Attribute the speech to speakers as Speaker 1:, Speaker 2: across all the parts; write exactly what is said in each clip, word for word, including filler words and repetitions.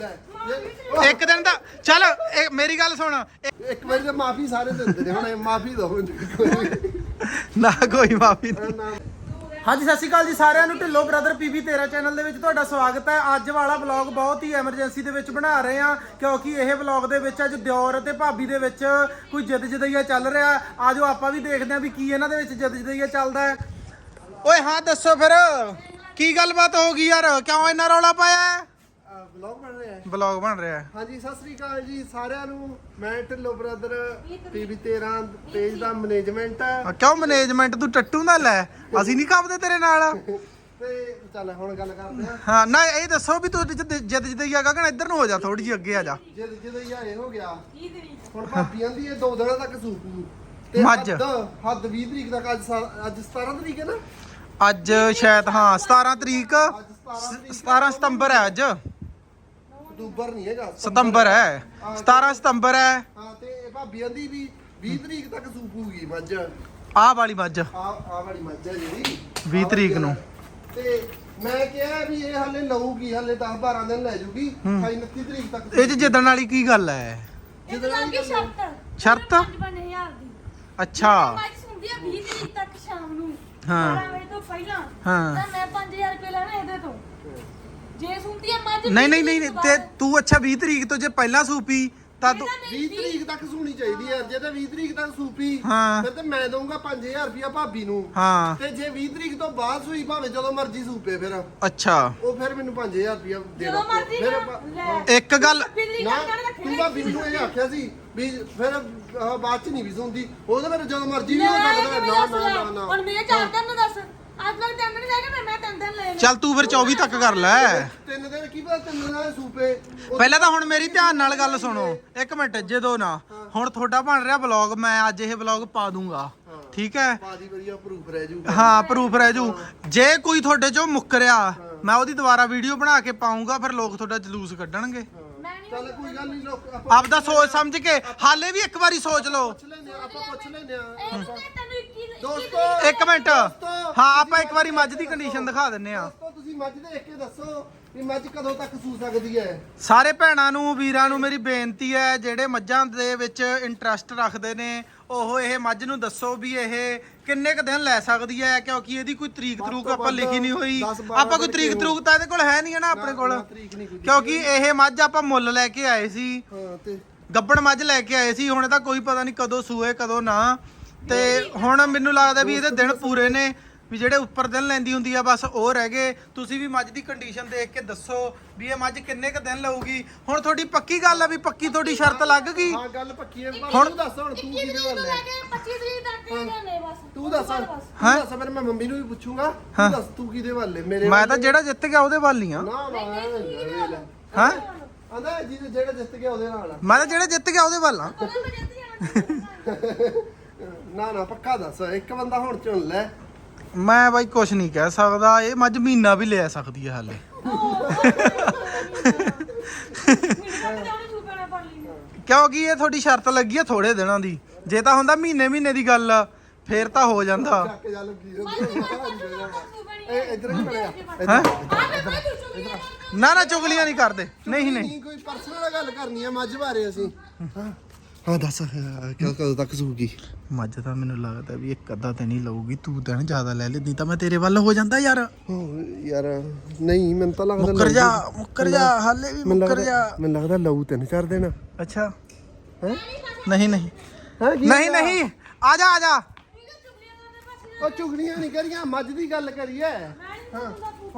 Speaker 1: ਇੱਕ ਦਿਨ ਦਾ ਚੱਲ ਮੇਰੀ ਗੱਲ ਸੁਣ
Speaker 2: ਇੱਕ ਵਾਰੀ ਤਾਂ ਮਾਫੀ ਸਾਰੇ ਦਿੰਦੇ ਨੇ ਹੁਣ ਮਾਫੀ ਦੋ
Speaker 1: ਨਾ ਕੋਈ ਮਾਫੀ ਨਹੀਂ। ਹਾਂਜੀ ਸਤਿ ਸ਼੍ਰੀ ਅਕਾਲ ਜੀ ਸਾਰਿਆਂ ਨੂੰ। ਢਿੱਲੋਂ ਬ੍ਰਦਰ ਪੀਬੀ ਤੇਰਾਂ ਚੈਨਲ ਦੇ ਵਿੱਚ ਤੁਹਾਡਾ ਸਵਾਗਤ ਹੈ। ਅੱਜ ਵਾਲਾ ਵਲੌਗ ਬਹੁਤ ਹੀ ਐਮਰਜੈਂਸੀ ਦੇ ਵਿੱਚ ਬਣਾ ਰਹੇ ਹਾਂ ਕਿਉਂਕਿ ਇਹ ਵਲੌਗ ਦੇ ਵਿੱਚ ਅੱਜ ਦਿਓਰ ਅਤੇ ਭਾਬੀ ਦੇ ਵਿੱਚ ਕੋਈ ਜਿੱਦ ਜਦਈਆ ਚੱਲ ਰਿਹਾ। ਆਜੋ ਆਪਾਂ ਵੀ ਦੇਖਦੇ ਹਾਂ ਵੀ ਕੀ ਇਹਨਾਂ ਦੇ ਵਿੱਚ ਜਿੱਦ ਜਦਈਆ ਚੱਲਦਾ ਹੈ। ਓਏ ਹਾਂ ਦੱਸੋ ਫਿਰ ਕੀ ਗੱਲਬਾਤ ਹੋ ਗਈ ਯਾਰ, ਕਿਉਂ ਇੰਨਾ ਰੌਲਾ ਪਾਇਆ?
Speaker 2: ਵਲੌਗ ਬਣ ਰਿਹਾ ਹੈ
Speaker 1: ਵਲੌਗ ਬਣ ਰਿਹਾ ਹੈ।
Speaker 2: ਹਾਂਜੀ ਸਤਿ ਸ੍ਰੀ ਅਕਾਲ ਜੀ ਸਾਰਿਆਂ ਨੂੰ। ਮੈਂ ਢਿੱਲੋਂ ਬ੍ਰਦਰ ਪੀਬੀ ਤੇਰਾਂ ਪੇਜ ਦਾ ਮੈਨੇਜਮੈਂਟ
Speaker 1: ਆ ਕਿਉਂ ਮੈਨੇਜਮੈਂਟ ਤੂੰ ਟੱਟੂ ਨਾ ਲੈ, ਅਸੀਂ ਨਹੀਂ ਕਾਬਦੇ ਤੇਰੇ ਨਾਲ।
Speaker 2: ਤੇ ਚੱਲ ਹੁਣ ਗੱਲ ਕਰਦੇ ਹਾਂ।
Speaker 1: ਹਾਂ ਨਾ ਇਹ ਦੱਸੋ ਵੀ ਤੂੰ ਜਿੱਦ ਜਦਈਆ ਗਗਨ ਇੱਧਰ ਨੂੰ ਹੋ ਜਾ, ਥੋੜੀ ਜਿਹੀ ਅੱਗੇ ਆ ਜਾ।
Speaker 2: ਜਦ ਜਦੋਂ ਇਹ ਹੋ ਗਿਆ ਹੁਣ ਭਾਬੀ ਆਂਦੀ ਇਹ ਦੋ ਦਿਨਾਂ ਤੱਕ ਸੂਪੂ ਤੇ
Speaker 1: ਮੱਝ।
Speaker 2: ਹੱਦ ਹੱਦ ਵੀਹ ਤਰੀਕ ਤੱਕ। ਅੱਜ ਸਾ- ਅੱਜ ਸਤਾਰਾਂ ਤਰੀਕ ਹੈ ਨਾ।
Speaker 1: ਅੱਜ ਸ਼ਾਇਦ ਹਾਂ ਸਤਾਰਾਂ ਤਰੀਕ,
Speaker 2: ਅੱਜ ਸਤਾਰਾਂ ਤਰੀਕ
Speaker 1: ਸਤਾਰਾਂ ਸਤੰਬਰ ਹੈ ਅੱਜ।
Speaker 2: ਅਕਤੂਬਰ ਨਹੀਂ ਹੈਗਾ,
Speaker 1: ਸਤੰਬਰ ਹੈ, ਸਤਾਰਾਂ ਸਤੰਬਰ ਹੈ।
Speaker 2: ਹਾਂ ਤੇ ਇਹ ਭਾਬੀ ਆਂਦੀ ਵੀ ਵੀਹ ਤਰੀਕ ਤੱਕ ਸੂਪੂਗੀ ਮੱਝ।
Speaker 1: ਆਹ ਵਾਲੀ ਮੱਝ
Speaker 2: ਆ ਆ ਵਾਲੀ ਮੱਝ ਹੈ ਜਿਹੜੀ
Speaker 1: ਵੀਹ ਤਰੀਕ ਨੂੰ।
Speaker 2: ਤੇ ਮੈਂ ਕਿਹਾ ਵੀ ਇਹ ਹਲੇ ਲਊਗੀ, ਹਲੇ ਦਸ ਬਾਰਾਂ ਦਿਨ ਲੈ ਜੂਗੀ। ਅਠਾਈ ਉਨੱਤੀ ਤਰੀਕ ਤੱਕ
Speaker 1: ਇਹ 'ਚ ਜਿੱਦਣ ਵਾਲੀ ਕੀ ਗੱਲ ਹੈ?
Speaker 2: ਜਿੱਦਣ ਵਾਲੀ
Speaker 3: ਸ਼ਰਤ
Speaker 1: ਸ਼ਰਤ?
Speaker 3: ਪੰਜ ਹਜ਼ਾਰ ਦੀ
Speaker 1: ਅੱਛਾ
Speaker 3: ਮੈਚ ਹੁੰਦੀ ਆ ਵੀਹ ਤਰੀਕ ਤੱਕ ਸ਼ਾਮ ਨੂੰ
Speaker 1: ਹਾਂ।
Speaker 3: ਬਾਰਾਂ ਵਜੇ ਤੋਂ ਪਹਿਲਾਂ
Speaker 1: ਹਾਂ।
Speaker 3: ਤਾਂ ਮੈਂ ਪੰਜ ਹਜ਼ਾਰ ਰੁਪਏ ਲੈਣਾ ਇਹਦੇ ਤੋਂ। ਜੇ ਸੁਣਦੀ ਆ ਮੱਝ
Speaker 1: ਨਹੀਂ ਨਹੀਂ ਨਹੀਂ ਤੇ ਤੂੰ ਅੱਛਾ ਵੀਹ ਤਰੀਕ ਤੋਂ ਜੇ ਪਹਿਲਾਂ ਸੂਪੀ ਤਾਂ ਤੂੰ
Speaker 2: ਵੀਹ ਤਰੀਕ ਤੱਕ ਸੂਣੀ ਚਾਹੀਦੀ ਹੈ। ਜੇ ਤਾਂ ਵੀਹ ਤਰੀਕ ਤੱਕ ਸੂਪੀ
Speaker 1: ਹਾਂ।
Speaker 2: ਫਿਰ ਤੇ ਮੈਂ ਦਊਂਗਾ ਪੰਜ ਹਜ਼ਾਰ ਰੁਪਇਆ ਭਾਬੀ ਨੂੰ।
Speaker 1: ਹਾਂ
Speaker 2: ਤੇ ਜੇ ਵੀਹ ਤਰੀਕ ਤੋਂ ਬਾਅਦ ਸੂਈ ਭਾਵੇਂ ਜਦੋਂ ਮਰਜ਼ੀ ਸੂਪੇ ਫਿਰ
Speaker 1: ਅੱਛਾ
Speaker 2: ਉਹ ਫਿਰ ਮੈਨੂੰ ਪੰਜ ਹਜ਼ਾਰ ਰੁਪਇਆ ਦੇ
Speaker 3: ਜਦੋਂ ਮਰਜ਼ੀ
Speaker 2: ਫਿਰ
Speaker 3: ਨਾ
Speaker 2: ਆਪਾਂ-
Speaker 3: ਲੈ।
Speaker 1: ਇੱਕ ਗੱਲ
Speaker 3: ਬਿਜਲੀ
Speaker 2: ਨਾ
Speaker 3: ਕੱਟਣ ਰੱਖੇ
Speaker 2: ਤੂੰ ਭਾਬੀ ਨੂੰ ਇਹ ਆਖਿਆ ਸੀ ਵੀ ਫਿਰ ਆਹ ਬਾਅਦ ਚ ਨਹੀਂ ਵੀ ਸੁਣਦੀ। ਉਹਦੇ ਫਿਰ ਜਦੋਂ ਮਰਜ਼ੀ ਵੀ ਹੋ ਸਕਦਾ। ਨਾ ਨਾ ਨਾ ਨਾ
Speaker 3: ਹੁਣ ਮੇਰੇ ਚਾਰ ਦਿਨ ਨੂੰ ਦੱਸ ਅੱਜ ਤੱਕ ਤਿੰਨ ਦਿਨ ਰਹਿ ਗਏ ਮੈਂ ਮੈਂ ਤਿੰਨ ਦਿਨ ਲੈ
Speaker 1: ਚੱਲ ਤੂੰ ਫਿਰ ਚੌਵੀ ਤੱਕ ਕਰ ਲੈ।
Speaker 2: ਤਿੰਨ ਦਿਨ ਕੀ ਪਤਾ ਤਿੰਨ ਦਿਨ ਨਾਲ ਸੂਪੇ ਉਹ-
Speaker 1: ਪਹਿਲਾਂ ਤਾਂ ਹੁਣ ਮੇਰੀ ਧਿਆਨ ਨਾਲ ਗੱਲ ਸੁਣੋ ਇੱਕ ਮਿੰਟ। ਜਦੋਂ ਨਾ ਹੁਣ ਤੁਹਾਡਾ ਬਣ ਰਿਹਾ ਵਲੌਗ, ਮੈਂ ਅੱਜ ਇਹ ਵਲੌਗ ਪਾ ਦੂੰਗਾ ਠੀਕ ਹੈ।
Speaker 2: ਬਾਜੀ ਵਧੀਆ ਪ੍ਰੂਫ ਰਹਿ ਜੂ।
Speaker 1: ਹਾਂ ਪ੍ਰੂਫ ਰਹਿ ਜੂ। ਜੇ ਕੋਈ ਤੁਹਾਡੇ ਚੋਂ ਮੁੱਕਰਿਆ ਮੈਂ ਉਹਦੀ ਦੁਬਾਰਾ ਵੀਡੀਓ ਬਣਾ ਕੇ ਪਾਉਂਗਾ, ਫਿਰ ਲੋਕ ਤੁਹਾਡਾ ਜਲੂਸ ਕੱਢਣਗੇ।
Speaker 3: ਮੈਂ ਨਹੀਂ
Speaker 2: ਚੱਲ ਕੋਈ ਗੱਲ ਨਹੀਂ ਲੋਕ ਆਪਾਂ
Speaker 1: ਆਪਦਾ ਸੋਚ ਸਮਝ ਕੇ ਹਾਲੇ ਵੀ ਇੱਕ ਵਾਰੀ ਸੋਚ ਲਓ।
Speaker 2: ਪੁੱਛ ਲੈਂਦੇ ਆ, ਆਪਾਂ ਪੁੱਛ ਲੈਂਦੇ ਆ।
Speaker 3: ਇਹ ਤਾਂ ਤੈਨੂੰ ਇੱਕੀ
Speaker 2: ਦੋਸਤੋ
Speaker 1: ਇੱਕ ਮਿੰਟ ਹਾਂ ਆਪਾਂ ਇੱਕ ਵਾਰੀ ਮੱਝ ਦੀ ਕੰਡੀਸ਼ਨ ਦਿਖਾ ਦਿੰਨੇ ਆ।
Speaker 2: ਦੋਸਤੋ ਤੁਸੀਂ ਮੱਝ ਦੇਖ ਕੇ ਦੱਸੋ ਵੀ ਮੱਝ ਕਦੋਂ ਤੱਕ ਸੂ ਸਕਦੀ ਹੈ।
Speaker 1: ਸਾਰੇ ਭੈਣਾਂ ਨੂੰ ਵੀਰਾਂ ਨੂੰ ਮੇਰੀ ਬੇਨਤੀ ਹੈ ਜਿਹੜੇ ਮੱਝਾਂ ਦੇ ਵਿੱਚ ਇੰਟਰਸਟ ਰੱਖਦੇ ਨੇ ਉਹ ਇਹ ਮੱਝ ਨੂੰ ਦੱਸੋ ਵੀ ਇਹ ਕਿੰਨੇ ਕ ਦਿਨ ਲੈ ਸਕਦੀ ਹੈ, ਕਿਉਂਕਿ ਇਹਦੀ ਕੋਈ ਤਰੀਕ ਤਰੂਕ ਆਪਾਂ ਲਿਖੀ ਨਹੀਂ ਹੋਈ। ਆਪਾਂ ਕੋਈ ਤਰੀਕ ਤਰੂਕ ਤਾਂ ਇਹਦੇ ਕੋਲ ਹੈ ਨਹੀਂ ਹੈ ਨਾ ਆਪਣੇ ਕੋਲ, ਕਿਉਂਕਿ ਇਹ ਮੱਝ ਆਪਾਂ ਮੁੱਲ ਲੈ ਕੇ ਆਏ ਸੀ।
Speaker 2: ਹਾਂ ਤੇ
Speaker 1: ਗੱਬਣ ਮੱਝ ਲੈ ਕੇ ਆਏ ਸੀ, ਹੁਣ ਇਹਦਾ ਕੋਈ ਪਤਾ ਨਹੀਂ ਕਦੋਂ ਸੂਏ ਕਦੋਂ ਨਾ। ਤੇ ਹੁਣ ਮੈਨੂੰ ਲੱਗਦਾ ਵੀ ਇਹਦੇ ਦਿਨ ਪੂਰੇ ਨੇ, ਵੀ ਜਿਹੜੇ ਉੱਪਰ ਦਿਨ ਲੈਂਦੀ ਹੁੰਦੀ ਆ ਬਸ ਉਹ ਰਹਿ ਗਏ। ਤੁਸੀਂ ਵੀ ਮੱਝ ਦੀ ਕੰਡੀਸ਼ਨ ਦੇਖ ਕੇ ਦੱਸੋ ਵੀ ਇਹ ਮੱਝ ਕਿੰਨੇ ਕ ਦਿਨ ਲਊਗੀ। ਹੁਣ ਤੁਹਾਡੀ ਪੱਕੀ ਗੱਲ ਆ ਵੀ ਪੱਕੀ ਤੁਹਾਡੀ ਸ਼ਰਤ ਲੱਗ ਗਈ।
Speaker 2: ਹਾਂ ਗੱਲ ਪੱਕੀ ਹੈ।
Speaker 1: ਹੁਣ-
Speaker 2: ਤੂੰ ਦੱਸ ਹੁਣ ਤੂੰ ਕਿਹਦੇ ਵੱਲ ਹੈ।
Speaker 3: ਪੱਚੀ ਤਰੀਕ ਤੱਕ ਹੀ ਲੈਣੇ ਬਸ
Speaker 2: ਤੂੰ ਦੱਸ ਤੂੰ
Speaker 1: ਹੈਂ?
Speaker 2: ਦੱਸ ਫਿਰ ਮੈਂ ਮੰਮੀ ਨੂੰ ਵੀ ਪੁੱਛੂੰਗਾ।
Speaker 1: ਹਾਂ।
Speaker 2: ਤੂੰ ਦੱਸ ਤੂੰ ਕਿਹਦੇ ਵੱਲ ਹੈ। ਮੇਰੇ
Speaker 1: ਮੈਂ
Speaker 2: ਵੱਲ
Speaker 1: ਤਾਂ
Speaker 2: ਹੈ?
Speaker 1: ਜਿਹੜਾ ਜਿੱਤ ਗਿਆ ਉਹਦੇ ਵੱਲ ਹੀ ਆ।
Speaker 2: ਨਾ ਨਾ
Speaker 1: ਹਾਂ
Speaker 2: ਆਂਦਾ ਜੀ ਜਿਹੜਾ ਜਿੱਤ ਗਿਆ ਉਹਦੇ ਨਾਲ ਆ।
Speaker 1: ਮੈਂ ਤਾਂ ਜਿਹੜਾ ਜਿੱਤ ਗਿਆ ਉਹਦੇ ਵੱਲ ਆ।
Speaker 3: ਉਹਦੇ ਮੈਂ ਜਿੱਤ ਜਾਣਾ।
Speaker 2: ਨਾ ਨਾ ਪੱਕਾ ਦੱਸ ਇੱਕ ਬੰਦਾ ਹੁਣ ਚੁਣ ਲੈ।
Speaker 1: ਮੈਂ ਬਾਈ ਕੁਝ ਨਹੀਂ ਕਹਿ ਸਕਦਾ। ਇਹ ਮੱਝ ਮਹੀਨਾ ਵੀ ਲੈ ਸਕਦੀ ਹੈ ਹਾਲੇ। ਕਿਉਂਕਿ ਇਹ ਤੁਹਾਡੀ ਸ਼ਰਤ ਲੱਗੀ ਆ ਥੋੜੇ ਦਿਨਾਂ ਦੀ। ਜੇ ਤਾਂ ਹੁੰਦਾ ਮਹੀਨੇ ਮਹੀਨੇ ਦੀ ਗੱਲ ਫੇਰ ਤਾਂ ਹੋ ਜਾਂਦਾ।
Speaker 2: ਚੱਕ ਜਾ ਲੱਗੀ ਇਹ ਇਧਰ ਹੀ ਬਣਿਆ।
Speaker 1: ਹੈਂ? ਨਾ ਨਾ ਚੁਗਲੀਆਂ ਨਹੀਂ ਕਰਦੇ। ਨਹੀਂ ਨਹੀਂ
Speaker 2: ਨਹੀਂ ਕੋਈ ਪਰਸਨਲ ਗੱਲ ਕਰਨੀ ਆ ਮੱਝ ਬਾਰੇ ਅਸੀਂ। ਹਾਂ ਹਾਂ ਦੱਸ ਕਿਉਂ ਕਦੋਂ ਤੱਕ ਸੂਗੀ?
Speaker 1: ਮੱਝ ਤਾਂ ਮੈਨੂੰ ਲੱਗਦਾ ਵੀ ਇੱਕ ਅੱਧਾ ਦਿਨ ਹੀ ਲਊਗੀ। ਤੂੰ ਦਿਨ ਜ਼ਿਆਦਾ ਲੈ ਲੈਂਦੀ ਤਾਂ ਮੈਂ ਤੇਰੇ ਵੱਲ ਹੋ ਜਾਂਦਾ ਯਾਰ।
Speaker 2: ਯਾਰ ਨਹੀਂ ਮੈਨੂੰ ਤਾਂ ਲੱਗਦਾ
Speaker 1: ਮੁੱਕਰ ਜਾ ਮੁੱਕਰ ਜਾ ਹਾਲੇ ਵੀ ਮੁੱਕਰ ਜਾ।
Speaker 2: ਮੈਨੂੰ ਲੱਗਦਾ ਲਊ ਤਿੰਨ ਚਾਰ ਦਿਨ।
Speaker 1: ਅੱਛਾ
Speaker 2: ਹੈ
Speaker 1: ਨਹੀਂ ਨਹੀਂ
Speaker 2: ਹੈ
Speaker 1: ਨਹੀਂ ਨਹੀਂ ਆ ਜਾ ਆ ਜਾ।
Speaker 2: ਉਹ ਚੁਗਲੀਆਂ ਨਹੀਂ ਕਰੀਆਂ ਮੱਝ ਦੀ ਗੱਲ ਕਰੀਏ। ਹਾਂ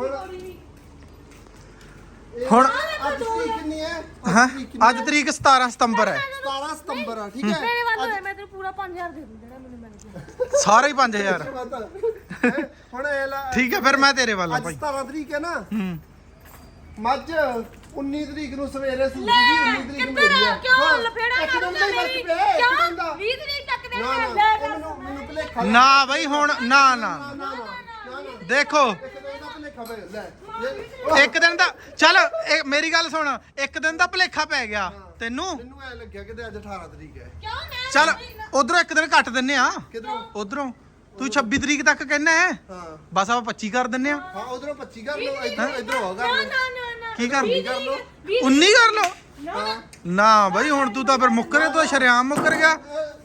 Speaker 1: ਹੁਣ
Speaker 2: ਅੱਜ ਤਰੀਕ ਕਿੰਨੀ ਹੈ?
Speaker 1: ਹਾਂ ਅੱਜ ਤਰੀਕ ਸਤਾਰਾਂ ਸਤੰਬਰ ਹੈ।
Speaker 2: ਸਤਾਰਾਂ ਸਤੰਬਰ ਆ ਠੀਕ ਹੈ।
Speaker 3: ਮੇਰੇ ਵੱਲ ਹੋਇਆ ਮੈਂ ਤੈਨੂੰ ਪੂਰਾ ਪੰਜ ਹਜ਼ਾਰ ਦੇ ਦੂੰ ਜਿਹੜਾ ਮੈਨੂੰ ਮਿਲ ਗਿਆ।
Speaker 1: ਸਾਰੇ ਹੀ ਪੰਜ ਹਜ਼ਾਰ।
Speaker 2: ਹੈਂ? ਹੁਣ ਇਹ ਲਾ
Speaker 1: ਠੀਕ ਹੈ ਫਿਰ ਮੈਂ ਤੇਰੇ ਵੱਲ ਆ
Speaker 2: ਅੱਜ
Speaker 1: ਭਾਈ।
Speaker 2: ਸਤਾਰਾਂ ਤਰੀਕ ਹੈ ਨਾ।
Speaker 1: ਹੂੰ
Speaker 2: ਮੱਝ ਉੱਨੀ ਤਰੀਕ ਨੂੰ ਸਵੇਰੇ ਸੂਗੀ। ਉੱਨੀ ਤਰੀਕ
Speaker 3: ਕਿੱਧਰ
Speaker 2: ਮੇਰੀ ਆ।
Speaker 3: ਕਿਉਂ
Speaker 2: ਹਾਂ,
Speaker 3: ਲਫੇੜਾ
Speaker 2: ਇੱਕ ਦਿਨ
Speaker 3: ਕਰੂੰਗਾ
Speaker 2: ਦਾ ਹੀ
Speaker 3: ਮੇਰੀ
Speaker 2: ਫਰਕ ਪਿਆ ਹੈ, ਇੱਕ ਦਿਨ
Speaker 3: ਕਿਉਂ
Speaker 2: ਦਾ।
Speaker 3: ਵੀਹ ਤਰੀਕ ਤੱਕ ਦੇ
Speaker 2: ਨਾ,
Speaker 3: ਲੈ
Speaker 2: ਨਾ,
Speaker 3: ਲੈ
Speaker 2: ਉਹ ਮੈਨੂੰ ਮੈਨੂੰ ਭੁਲੇਖਾ
Speaker 1: ਨਾ ਬਈ ਹੁਣ ਨਾ ਨਾ
Speaker 2: ਨਾ ਨਾ ਨਾ ਨਾ
Speaker 1: ਦੇਖੋ
Speaker 2: ਇੱਕ ਦਿਨ ਦਾ ਭੁਲੇਖਾ ਪੈ ਲੈ ਜੇ-
Speaker 1: ਇੱਕ ਦਿਨ ਦਾ ਚੱਲ ਇਹ ਮੇਰੀ ਗੱਲ ਸੁਣ। ਇੱਕ ਦਿਨ ਦਾ ਭੁਲੇਖਾ ਪੈ ਗਿਆ ਤੈਨੂੰ।
Speaker 2: ਮੈਨੂੰ ਐ ਲੱਗਿਆ ਕਿ ਅੱਜ ਅਠਾਰਾਂ ਤਰੀਕ ਹੈ।
Speaker 3: ਕਿਉਂ ਮੈਂ
Speaker 1: ਚੱਲ ਉਧਰੋਂ ਇੱਕ ਦਿਨ ਕੱਟ ਦਿੰਨੇ ਆ।
Speaker 2: ਕਿਧਰੋਂ?
Speaker 1: ਉਧਰੋਂ ਤੂੰ ਛੱਬੀ ਤਰੀਕ ਤੱਕ ਕਹਿਣਾ ਹੈ
Speaker 2: ਹਾਂ
Speaker 1: ਬਸ ਆਪਾਂ ਪੱਚੀ ਕਰ ਦਿੰਨੇ ਆ
Speaker 2: ਹਾਂ ਉਧਰੋਂ ਪੱਚੀ ਕਰ ਲਓ ਇਧਰੋਂ ਇਧਰੋਂ ਹੋ ਕਰ
Speaker 3: ਨਾ
Speaker 2: ਲਓ
Speaker 3: ਨਾ ਨਾ ਨਾ
Speaker 1: ਕੀ ਕਰ
Speaker 2: ਕਰ ਲਓ
Speaker 1: ਉੱਨੀ ਕਰ ਲਓ
Speaker 2: ਹਾਂ
Speaker 1: ਨਾ ਬਈ ਹੁਣ ਤੂੰ ਤਾਂ ਫਿਰ ਮੁੱਕਰੇ ਤੂੰ ਸ਼ਰਿਆਮ ਮੁੱਕਰ ਗਿਆ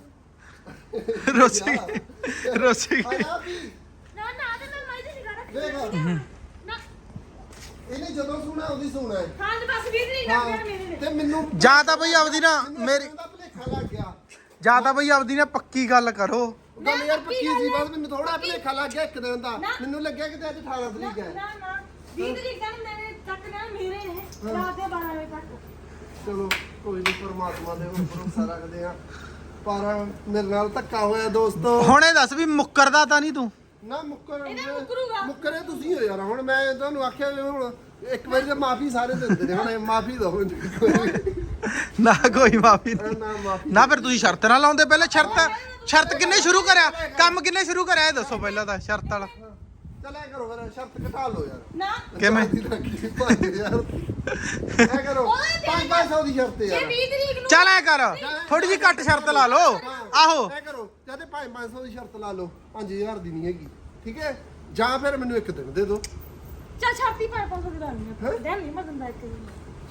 Speaker 1: ਰੋਸੀ ਰੋਸੀ
Speaker 2: ਆਇਆ ਵੀ
Speaker 3: ਨਾ ਨਾ ਤੇ ਮੈਂ ਮਾਈ ਦੀ ਨਿਗਾਹ
Speaker 2: ਦੇਖ
Speaker 3: ਰੱਖੀ ਨਾ
Speaker 2: ਇਹਨੇ ਜਦੋਂ ਸੁਣਾ ਉਹਦੀ ਸੁਣਾ ਹੈ
Speaker 3: ਹਾਂ ਤੇ ਬਸ ਵੀਹ ਤਰੀਕ ਲੱਗ ਗਿਆ ਮੇਰੇ ਨੇ
Speaker 2: ਤੇ ਮੈਨੂੰ
Speaker 1: ਜਾਂ ਤਾਂ ਬਈ ਆਪਦੀ ਨਾ
Speaker 2: ਮੈਨੂੰ
Speaker 1: ਮੇਰੀ
Speaker 2: ਇਹਦਾ ਭੁਲੇਖਾ ਲੱਗ ਗਿਆ
Speaker 1: ਜਾਂ ਤਾਂ ਬਈ ਆਪਦੀ ਨਾ ਪੱਕੀ ਗੱਲ ਕਰੋ
Speaker 2: ਗੱਲ ਯਾਰ ਪੱਕੀ ਸੀ ਬਸ ਮੈਨੂੰ ਥੋੜਾ ਭੁਲੇਖਾ ਲੱਗ ਗਿਆ ਇੱਕ ਦਿਨ ਦਾ ਮੈਨੂੰ ਲੱਗਿਆ ਕਿ ਅੱਜ ਅਠਾਰਾਂ ਤਰੀਕ ਹੈ
Speaker 3: ਨਾ ਨਾ ਵੀਹ ਤਰੀਕ ਤੱਕ ਮੇਰੇ ਤੱਕ ਨਾ ਮੇਰੇ ਨੇ ਰਾਤ ਦੇ ਬਾਰਾਂ ਵਜੇ ਤੱਕ
Speaker 2: ਚਲੋ ਕੋਈ ਨਹੀਂ ਪਰਮਾਤਮਾ ਦੇ ਉੱਪਰ ਭਰੋਸਾ ਰੱਖਦੇ ਆ ਪਰ ਮੇਰੇ ਨਾਲ ਧੱਕਾ ਹੋਇਆ ਦੋਸਤੋ
Speaker 1: ਹੁਣ ਇਹ ਦੱਸ ਵੀ ਮੁੱਕਰਦਾ ਤਾਂ ਨਹੀਂ ਤੂੰ
Speaker 2: ਨਾ ਮੁੱਕਰ
Speaker 3: ਇਹਦਾ ਮੁੱਕਰੂਗਾ।
Speaker 2: ਮੁੱਕਰੇ ਤੁਸੀਂ ਹੋ ਯਾਰ ਹੁਣ ਮੈਂ ਤੁਹਾਨੂੰ ਆਖਿਆ ਵੀ ਹੁਣ ਇੱਕ ਵਾਰੀ ਤਾਂ ਮਾਫੀ ਸਾਰੇ ਦਿੰਦੇ ਨੇ ਹੁਣ ਮਾਫੀ ਦਿਓ ਮੈਨੂੰ ਇੱਕ ਵਾਰੀ।
Speaker 1: ਨਾ ਕੋਈ ਮਾਫੀ ਨਹੀਂ
Speaker 2: ਨਾ ਮਾਫੀ
Speaker 1: ਨਾ ਫਿਰ ਤੁਸੀਂ ਸ਼ਰਤ ਨਾ ਲਾਉਂਦੇ ਪਹਿਲੇ ਸ਼ਰਤ ਸ਼ਰਤ ਕਿੰਨੇ ਸ਼ੁਰੂ ਕਰਿਆ ਕੰਮ ਕਿੰਨੇ ਸ਼ੁਰੂ ਕਰਿਆ ਇਹ ਦੱਸੋ ਪਹਿਲਾਂ ਤਾਂ ਸ਼ਰਤ ਵਾਲਾ
Speaker 2: ਚਲੇ ਕਰੋ ਫਿਰ ਸ਼ਰਤ ਘਟਾ ਲਓ ਯਾਰ
Speaker 3: ਨਾ
Speaker 1: ਕਿਵੇਂ?
Speaker 2: ਪੰਜ ਹਜ਼ਾਰ ਐ ਕਰੋ ਪੰਜ ਪੰਜ ਸੌ ਦੀ ਸ਼ਰਤ
Speaker 3: ਜੇ
Speaker 2: ਯਾਰ
Speaker 3: ਵੀਹ ਤਰੀਕ ਨੂੰ
Speaker 1: ਚੱਲ ਐ ਕਰ ਥੋੜੀ ਜਿਹੀ ਘੱਟ ਸ਼ਰਤ ਲਾ ਲਓ ਆਹੋ
Speaker 2: ਐ ਕਰੋ ਜਦ ਪੰਜ ਪੰਜ ਸੌ ਦੀ ਸ਼ਰਤ ਲਾ ਲਓ ਪੰਜ ਹਜ਼ਾਰ ਦੀ ਨਹੀਂ ਹੈਗੀ ਠੀਕ ਹੈ ਜਾਂ ਫਿਰ ਮੈਨੂੰ ਇੱਕ ਦਿਨ ਦੇ ਦਿਓ
Speaker 3: ਚੱਲ ਛਾਤੀ ਪਾ ਪੰਜ ਸੌ ਦੀ ਲਾਣੀ ਹੈ ਦੇਣ ਨਹੀਂ ਮੈਂ ਦਿੰਦਾ ਇੱਕ ਦਿਨ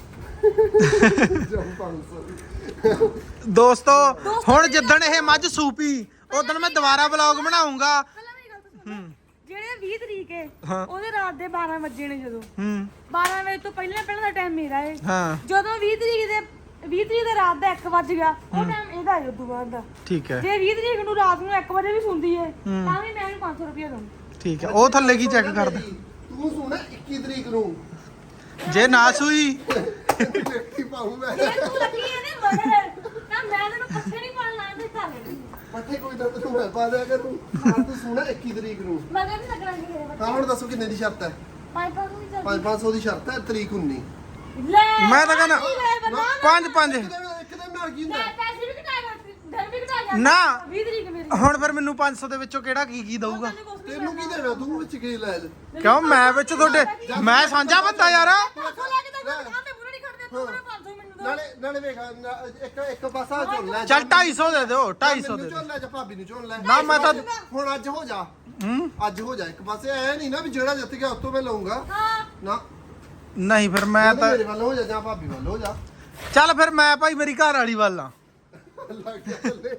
Speaker 2: ਜਾਂ ਪੰਜ ਸੌ
Speaker 1: ਦੋਸਤੋ ਹੁਣ ਜਿੱਦਣ ਇਹ ਮੱਝ ਸੂਪੀ ਉਦੋਂ ਮੈਂ ਦੁਬਾਰਾ ਵਲੌਗ ਬਣਾਉਂਗਾ
Speaker 3: ਪਹਿਲਾਂ ਮੇਰੀ ਗੱਲ ਤਾਂ ਸੁਣੋ ਜਿਹੜੇ ਵੀਹ ਤਰੀਕ ਹੈ
Speaker 1: ਹਾਂ।
Speaker 3: ਉਹਦੇ ਰਾਤ ਦੇ ਬਾਰਾਂ ਵਜੇ ਨੇ ਜਦੋਂ
Speaker 1: ਹੂੰ
Speaker 3: ਬਾਰਾਂ ਵਜੇ ਤੋਂ ਪਹਿਲਾਂ ਪਹਿਲਾਂ ਦਾ ਟਾਈਮ ਮੇਰਾ ਹੈ
Speaker 1: ਹਾਂ
Speaker 3: ਜਦੋਂ ਵੀਹ ਤਰੀਕ ਦੇ ਵੀਹ ਤਰੀਕ ਦੇ ਰਾਤ ਦਾ ਇੱਕ ਵੱਜ ਗਿਆ ਉਹ ਟਾਈਮ ਇਹਦਾ ਹੈ ਉਦੋਂ ਬਾਅਦ ਦਾ
Speaker 1: ਠੀਕ ਹੈ
Speaker 3: ਜੇ ਵੀਹ ਤਰੀਕ ਨੂੰ ਰਾਤ ਨੂੰ ਇੱਕ ਵਜੇ ਵੀ ਸੁਣਦੀ ਹੈ ਤਾਂ ਵੀ ਮੈਂ ਇਹਨੂੰ ਪੰਜ ਸੌ ਰੁਪਏ ਦਊਂ
Speaker 1: ਠੀਕ ਹੈ ਉਹ ਥੱਲੇ ਕੀ ਚੈੱਕ ਕਰਦਾ
Speaker 2: ਤੂੰ ਸੁਣਾ ਇੱਕੀ ਤਰੀਕ ਨੂੰ
Speaker 1: ਜੇ ਨਾ ਸੂਈ
Speaker 2: ਦੇਖੀ ਪਾਉ ਮੈਂ
Speaker 3: ਜੇ ਤੂੰ ਲੱਗੀ ਇਹਦੇ ਮਗਰ ਤਾਂ ਮੈਂ ਤੈਨੂੰ ਪੱਠੇ ਨਹੀਂ ਪਾਣ ਲਾਂ ਤੇ ਖਾ ਲੈਣੀ
Speaker 2: ਪੱਠੇ ਕੋਈ ਤਾਂ ਤੈਨੂੰ ਮੈਂ ਪਾ ਦਿਆ ਕਰੂੰ ਹਾਂ ਤੂੰ ਸੁਣਾ ਇੱਕੀ ਤਰੀਕ ਨੂੰ
Speaker 3: ਮਗਰ ਨਹੀਂ ਲੱਗਣਾ ਮੇਰੇ ਬੱਚੇ
Speaker 2: ਹਾਂ ਹੁਣ ਦੱਸੋ ਕਿੰਨੇ ਦੀ ਸ਼ਰਤ ਹੈ
Speaker 3: ਪੰਜ ਪੰਜ ਨੂੰ ਚੱਲ
Speaker 2: ਪੰਜ ਪੰਜ ਸੌ ਦੀ ਸ਼ਰਤ ਹੈ ਤਰੀਕ ਉੱਨੀ
Speaker 3: ਲੈ
Speaker 1: ਮੈਂ ਤਾਂ ਕਹਿੰਦਾ
Speaker 3: ਲੈ ਬੰਦਾ
Speaker 1: ਪੰਜ ਪੰਜ
Speaker 2: ਇੱਕ ਦਿਨ ਇੱਕ ਦਿਨ ਨਾਲ ਕੀ ਹੁੰਦਾ
Speaker 3: ਮੈਂ ਪੈਸੇ ਵੀ ਘਟਾਏਗਾ ਦਿਨ ਵੀ ਘਟਾ
Speaker 1: ਨਾ।
Speaker 3: ਵੀਹ ਤਰੀਕ ਮੇਰੀ
Speaker 1: ਹੁਣ ਫਿਰ ਮੈਨੂੰ ਪੰਜ ਸੌ ਦੇ ਵਿੱਚੋਂ ਕਿਹੜਾ ਕੀ ਕੀ ਦਊਗਾ
Speaker 2: ਤੈਨੂੰ ਕੀ ਦੇਣਾ ਤੂੰ ਵਿੱਚ ਕੀ ਲੈ ਲੈ
Speaker 1: ਕਿਉਂ ਮੈਂ ਵਿੱਚ ਤੁਹਾਡੇ ਮੈਂ ਸਾਂਝਾ ਬੰਦਾ ਯਾਰ
Speaker 3: ਪੰਜ ਸੌ ਲੈ ਕੇ ਤਾਂ ਦੁਕਾਨ ਤੇ ਪੂਰਾ ਨਹੀਂ ਖੜਦੇ ਤੂੰ ਮੇਰੇ ਪੰਜ ਸੌ ਮੈਨੂੰ ਦੋ
Speaker 2: ਨਾਲੇ ਨਾਲੇ ਵੇਖ ਨਾ- ਇੱਕ ਇੱਕ ਪਾਸਾ ਝੋਲ ਲੈ
Speaker 1: ਚੱਲ ਢਾਈ ਸੌ ਦੇ ਦਿਓ ਢਾਈ ਸੌ ਦੇ
Speaker 2: ਮੈਨੂੰ
Speaker 1: ਦਿਓ
Speaker 2: ਝੋਲ ਲੈ ਜਾਂ ਭਾਬੀ ਨੂੰ ਝੋਲ ਲੈ
Speaker 1: ਨਾ ਮੈਂ ਤਾਂ
Speaker 2: ਹੁਣ ਅੱਜ ਹੋ ਜਾ
Speaker 1: ਹੂੰ
Speaker 2: ਅੱਜ ਹੋ ਜਾ ਇੱਕ ਪਾਸੇ ਐ ਨਹੀਂ ਨਾ ਵੀ ਜਿਹੜਾ ਜਿੱਤ ਗਿਆ ਉਸ ਤੋਂ ਮੈਂ ਲਊਂਗਾ
Speaker 3: ਹਾਂ
Speaker 2: ਨਾ
Speaker 1: ਨਹੀਂ ਫਿਰ ਮੈਂ
Speaker 2: ਜਾਂ
Speaker 1: ਤਾਂ
Speaker 2: ਮੇਰੇ ਵੱਲ ਹੋ ਜਾ ਜਾਂ ਭਾਬੀ ਵੱਲ ਹੋ ਜਾ
Speaker 1: ਚੱਲ ਫਿਰ ਮੈਂ ਭਾਈ ਮੇਰੀ ਘਰ ਵਾਲੀ ਵੱਲ ਆ
Speaker 2: ਲੱਗ ਗਿਆ ਥੱਲੇ।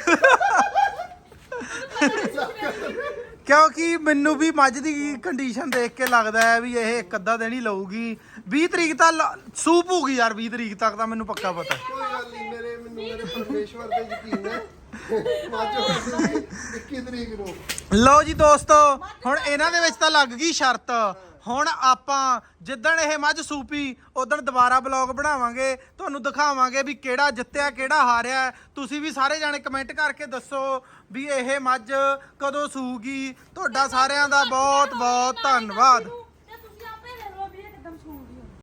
Speaker 1: ਕਿਉਂਕਿ ਮੈਨੂੰ ਵੀ ਮੱਝ ਦੀ ਕੰਡੀਸ਼ਨ ਦੇਖ ਕੇ ਲੱਗਦਾ ਹੈ ਵੀ ਇਹ ਇੱਕ ਅੱਧਾ ਦਿਨ ਹੀ ਲਊਗੀ ਵੀਹ ਤਰੀਕ ਤਾਂ ਲ- ਸੂਪ ਹੋਊਗੀ ਯਾਰ ਵੀਹ ਤਰੀਕ ਤੱਕ ਤਾਂ ਮੈਨੂੰ ਪੱਕਾ ਪਤਾ ਹੈ।
Speaker 2: ਕੋਈ ਗੱਲ ਨਹੀਂ ਮੇਰੇ ਮੈਨੂੰ ਮੇਰੇ ਪਰਮੇਸ਼ਵਰ ਤੇ ਯਕੀਨ ਹੈ ਮਾਜੋ ਇੱਕੀ ਤਰੀਕ ਨੂੰ
Speaker 1: ਲਓ ਜੀ ਦੋਸਤੋ ਹੁਣ ਇਹਨਾਂ ਦੇ ਵਿੱਚ ਤਾਂ ਲੱਗ ਗਈ ਸ਼ਰਤ ਹੁਣ ਆਪਾਂ ਜਿੱਦਣ ਇਹ ਮੱਝ ਸੂਪੀ ਉਦੋਂ ਦੁਬਾਰਾ ਬਲੌਗ ਬਣਾਵਾਂਗੇ ਤੁਹਾਨੂੰ ਦਿਖਾਵਾਂਗੇ ਵੀ ਕਿਹੜਾ ਜਿੱਤਿਆ ਕਿਹੜਾ ਹਾਰਿਆ ਤੁਸੀਂ ਵੀ ਸਾਰੇ ਜਾਣੇ ਕਮੈਂਟ ਕਰਕੇ ਦੱਸੋ ਵੀ ਇਹ ਮੱਝ ਕਦੋਂ ਸੂਗੀ ਤੁਹਾਡਾ ਸਾਰਿਆਂ ਦਾ ਬਹੁਤ ਬਹੁਤ ਧੰਨਵਾਦ।